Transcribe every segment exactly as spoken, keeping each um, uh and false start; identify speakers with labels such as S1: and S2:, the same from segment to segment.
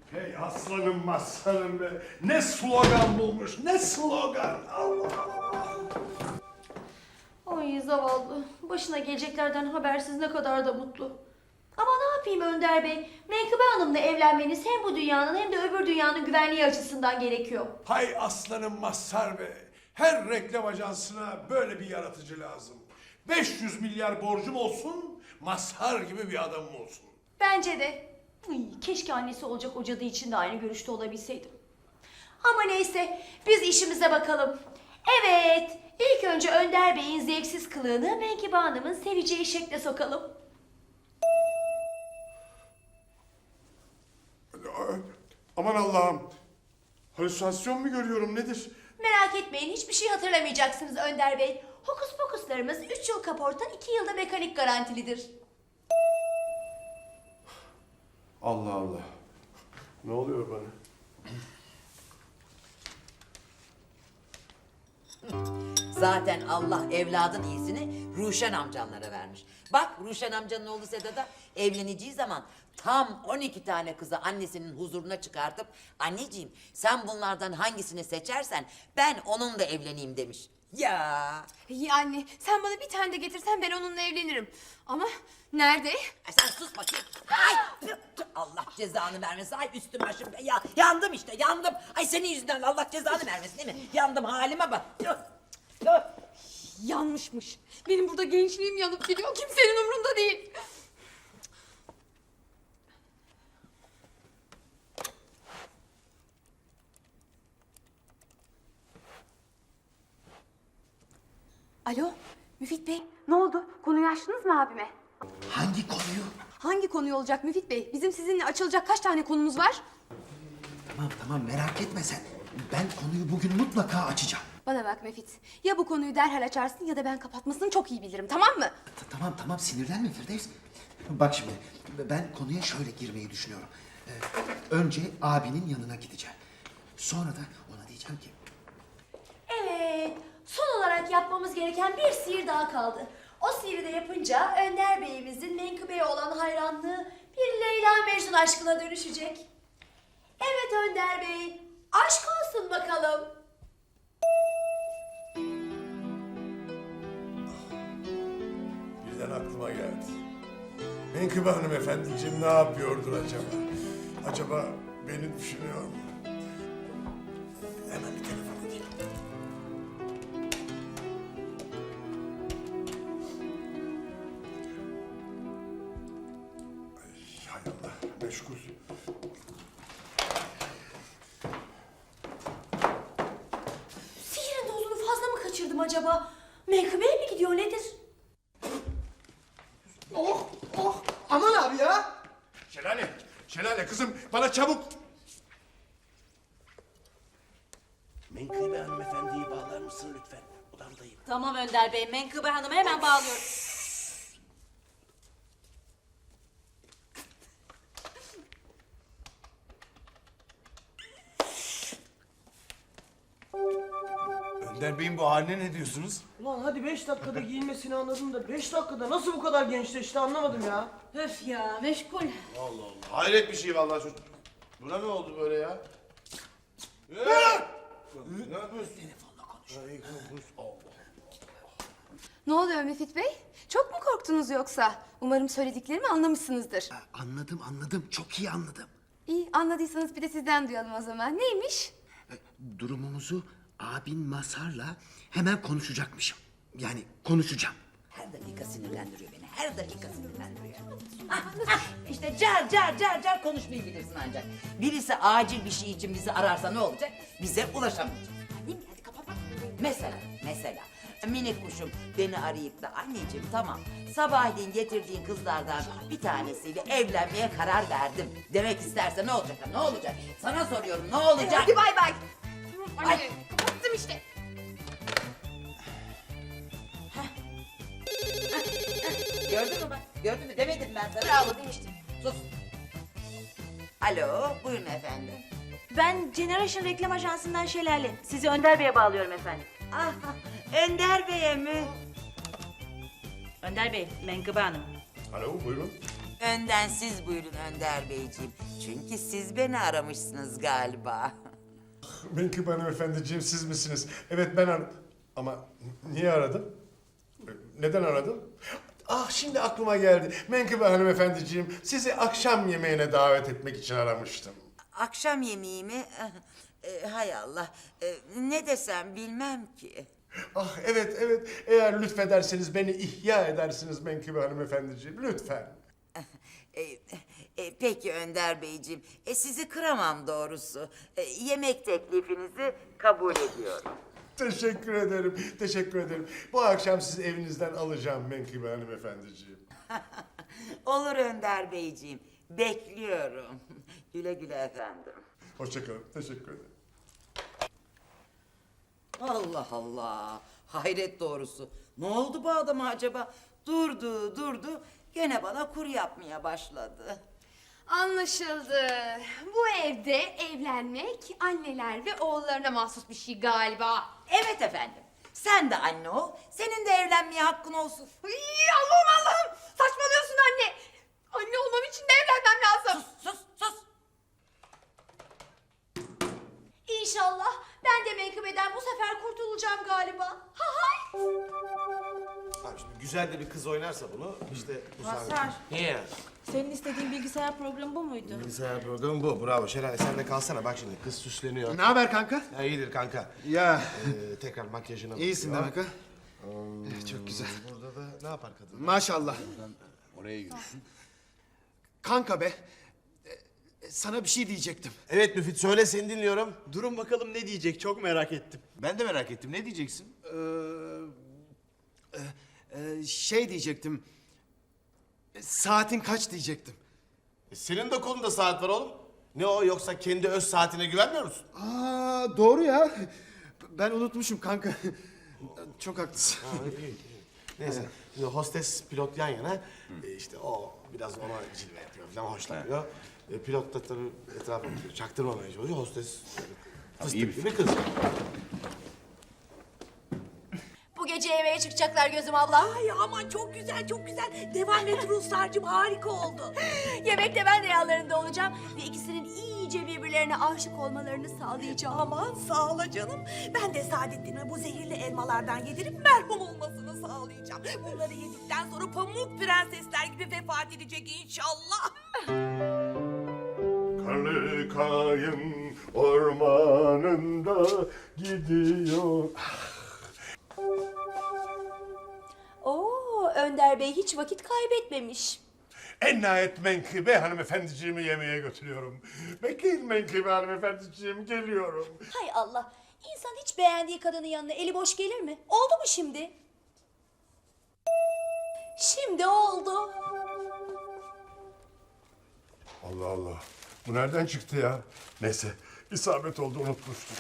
S1: Hey aslanım maslanım be. Ne slogan bulmuş, ne slogan. Allah Allah.
S2: Ay zavallı. Başına geleceklerden habersiz ne kadar da mutlu. Ama ne yapayım Önder Bey? Menkıbe Hanım'la evlenmeniz hem bu dünyanın hem de öbür dünyanın güvenliği açısından gerekiyor.
S1: Hay aslanım Mazhar be. Her reklam ajansına böyle bir yaratıcı lazım. beş yüz milyar borcum olsun, Mazhar gibi bir adamım olsun.
S2: Bence de. Ay, keşke annesi olacak o cadı için de aynı görüşte olabilseydim. Ama neyse, biz işimize bakalım. Evet, ilk önce Önder Bey'in zevksiz kılığını Menkıbe Hanım'ın seveceği şekle sokalım.
S1: Aman Allah'ım. Halüsinasyon mu görüyorum nedir?
S2: Merak etmeyin, hiçbir şey hatırlamayacaksınız Önder Bey. Hokus pokuslarımız üç yıl kaporta, iki yılda mekanik garantilidir.
S1: Allah Allah. Ne oluyor bana?
S3: Zaten Allah evladın iyisini Ruşen amcanlara vermiş. Bak Ruşen amcanın oğlu Sedat'a evleneceği zaman tam on iki tane kızı annesinin huzuruna çıkartıp anneciğim sen bunlardan hangisini seçersen ben onunla evleneyim demiş. Ya
S4: İyi anne, sen bana bir tane de getirsen ben onunla evlenirim. Ama nerede?
S3: Ay sen sus bakayım. Ay, tüh, tüh, Allah cezanı vermesin. Ay üstüm başım. Ya, yandım işte yandım. Ay senin yüzünden Allah cezanı vermesin değil mi? Yandım halime bak. Tüh, tüh.
S4: Yanmışmış. Benim burada gençliğim yanıp gidiyor. Kimsenin umurunda değil. Alo, Müfit Bey. Ne oldu? Konuyu açtınız mı abime?
S5: Hangi konuyu?
S4: Hangi konuyu olacak Müfit Bey? Bizim sizinle açılacak kaç tane konumuz var?
S5: Tamam tamam merak etme sen. Ben konuyu bugün mutlaka açacağım.
S4: Bana bak Müfit. Ya bu konuyu derhal açarsın ya da ben kapatmasını çok iyi bilirim, tamam mı?
S5: Ta- tamam tamam sinirlenme Firdevs. Bak şimdi ben konuya şöyle girmeyi düşünüyorum. Ee, önce abinin yanına gideceğim. Sonra da ona diyeceğim ki...
S2: Evet, son olarak yapmamız gereken bir sihir daha kaldı. O sihiri de yapınca Önder Bey'imizin Menkıbe'ye olan hayranlığı bir Leyla Mecnun aşkına dönüşecek. Evet Önder Bey, aşk olsun bakalım.
S1: Birden aklıma geldi. Menkıbe hanımefendiciğim ne yapıyordur acaba? Acaba beni düşünüyor mu? Hemen bir telefon edeyim. Ay, hay Allah, meşgul.
S2: Sihirin dozunu fazla mı kaçırdım acaba? Menkıbe'ye mi gidiyor nedir?
S6: Oh, oh. Aman abi ya.
S1: Şelale, Şelale kızım bana çabuk.
S6: Menkıbe hanımefendiyi bağlar mısın lütfen? Odamdayım.
S3: Tamam Önder Bey, Menkıbe Hanım'ı hemen bağlıyorum.
S1: Önder Bey'in bu haline ne diyorsunuz?
S6: Ulan hadi beş dakikada giyinmesini anladım da beş dakikada nasıl bu kadar gençleşti anlamadım ya.
S3: Öf ya, meşgul.
S7: Allah Allah. Hayret bir şey vallahi çocuk. Buna ne oldu böyle ya? Ee? Ne yapıyorsun? Telefonla konuş. Allah.
S4: Ne oluyor Müfit Bey? Çok mu korktunuz yoksa? Umarım söylediklerimi anlamışsınızdır.
S5: "Ha, Anladım anladım çok iyi anladım.
S4: İyi, anladıysanız bir de sizden duyalım o zaman. Neymiş?
S5: Ee, Durumumuzu abin Mazhar'la hemen konuşacakmışım. Yani konuşacağım.
S3: Her dakika sinirlendiriyor beni, her dakika sinirlendiriyor. Ah, ah, işte car car car car konuşmayı bilirsin ancak. Birisi acil bir şey için bizi ararsa ne olacak? Bize ulaşamayacak. Değil mi? Hadi kapat. Mesela, mesela minik kuşum beni arayıp da anneciğim tamam sabahleyin getirdiğin kızlardan bir tanesiyle evlenmeye karar verdim demek isterse ne olacak? Ne olacak? Sana soruyorum ne olacak?
S4: Hadi bay bay. Anne,
S3: Ay.
S4: kapattım işte.
S3: Gördün mü bak? Gördün mü? Demedim ben sana.
S4: Bravo demiştim.
S3: Sus. Alo, buyurun efendim.
S2: Ben Generation Reklam Ajansı'ndan Şelale. Sizi Önder Bey'e bağlıyorum efendim.
S3: Ah, Önder Bey'e mi?
S2: Önder Bey, Menkıbe Hanım.
S1: Alo buyurun.
S3: Önden siz buyurun Önder Beyciğim. Çünkü siz beni aramışsınız galiba.
S1: Menkıbe hanımefendiciğim siz misiniz? Evet ben aradım. Ama niye aradım? Neden aradım? Ah şimdi aklıma geldi. Menkıbe hanımefendiciğim sizi akşam yemeğine davet etmek için aramıştım.
S3: Akşam yemeği mi? E, hay Allah. E, ne desem bilmem ki.
S1: Ah evet evet eğer lütfederseniz beni ihya edersiniz Menkıbe hanımefendiciğim lütfen.
S3: E, e, peki Önder Beyciğim. E, sizi kıramam doğrusu. E, yemek teklifinizi kabul ediyorum.
S1: Teşekkür ederim, teşekkür ederim. Bu akşam sizi evinizden alacağım Menkıbe hanımefendiciğim.
S3: Olur Önder Beyciğim. Bekliyorum. Güle güle efendim.
S1: Hoşçakalın, teşekkür ederim.
S3: Allah Allah. Hayret doğrusu. Ne oldu bu adama acaba? Durdu durdu. Gene bana kur yapmaya başladı.
S4: Anlaşıldı. Bu evde evlenmek anneler ve oğullarına mahsus bir şey galiba.
S3: Evet efendim. Sen de anne ol. Senin de evlenmeye hakkın olsun.
S4: Ay, Allah'ım Allah'ım. Saçmalıyorsun anne. Anne olmam için de evlenmem lazım.
S3: Sus sus.
S2: İnşallah ben de menkıbeden bu sefer kurtulacağım galiba. Ha hay.
S7: Abi şimdi güzel de bir kız oynarsa bunu işte bu sahne.
S8: Mazhar,
S7: Niye?
S8: senin istediğin bilgisayar programı bu muydu?
S7: Bilgisayar programı bu. Bravo Şelale sen de kalsana bak şimdi kız süsleniyor.
S5: Ne haber kanka?
S7: Ya iyidir kanka.
S5: Ya
S7: Ee, tekrar makyajına
S5: iyisin
S7: bakıyor.
S5: demek ha? Çok güzel.
S7: Burada da ne yapar kadın?
S5: Maşallah.
S7: Oraya yürüsün.
S5: Kanka be. e, Sana bir şey diyecektim.
S7: Evet Müfit söyle seni dinliyorum.
S9: Durun bakalım ne diyecek çok merak ettim.
S7: Ben de merak ettim. Ne diyeceksin?
S5: Ee, e, e, şey diyecektim. E, Saatin kaç diyecektim.
S7: E, senin de kolunda saat var oğlum. Ne o yoksa kendi öz saatine güvenmiyor musun?
S5: Aa doğru ya. Ben unutmuşum kanka. Çok haklısın.
S7: Neyse. Şimdi hostes pilot yan yana. E, işte o biraz ona cilve yapıyor falan hoşlanıyor. E, pilot da tabii etrafa bakıyor. Çaktırmamaya çalışıyor. Hostes fıstık gibi kız.
S2: Bu gece yemeğe çıkacaklar gözüm abla.
S8: Ay aman çok güzel çok güzel. Devam et Ruslarcığım harika oldu.
S2: Yemekte ben de yanlarında olacağım ve ikisinin iyice birbirlerine aşık olmalarını sağlayacağım.
S8: Aman sağ ol canım. Ben de Saadettin'e bu zehirli elmalardan yedirip merhum olmasını sağlayacağım. Bunları yedikten sonra pamuk prensesler gibi vefat edecek inşallah.
S1: Karlı kayın ormanında gidiyor.
S2: Oo, Önder Bey hiç vakit kaybetmemiş.
S1: En nihayet Menkıbe hanımefendiciğimi yemeğe götürüyorum. Bekleyin Menkıbe hanımefendiciğim geliyorum.
S2: Hay Allah, insan hiç beğendiği kadının yanına eli boş gelir mi? Oldu mu şimdi? Şimdi oldu.
S1: Allah Allah. Bu nereden çıktı ya? Neyse isabet oldu unutmuştum.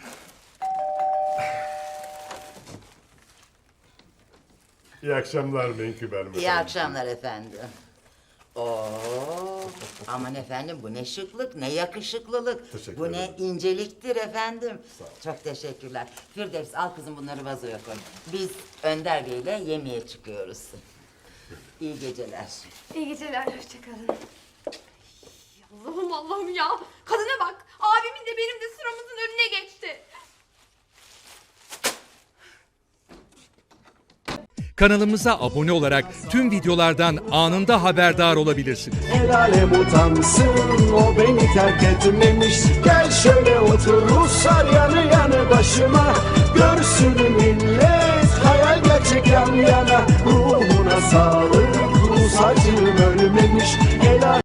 S1: İyi akşamlar Menkıbe hanımefendi.
S3: İyi akşamlar efendim. Oo, aman efendim bu ne şıklık, ne yakışıklılık.
S1: Teşekkür
S3: bu ne
S1: ederim.
S3: inceliktir efendim. Çok teşekkürler. Firdevs al kızım bunları vazoya koy. Biz Önder Bey'le yemeğe çıkıyoruz. İyi geceler.
S4: İyi geceler, hoşçakalın. Allah'ım Allah'ım ya. Kadına bak. Abimin de benim de sıramızın önüne geçti.
S10: Kanalımıza abone olarak tüm videolardan anında haberdar olabilirsiniz.
S11: El alem utansın o beni terk etmemiş. Gel şöyle otur Ruslar yanı yanı başıma. Görsün millet hayal gerçek yan yana. Ruhuna sağlık Rus acım ölmemiş.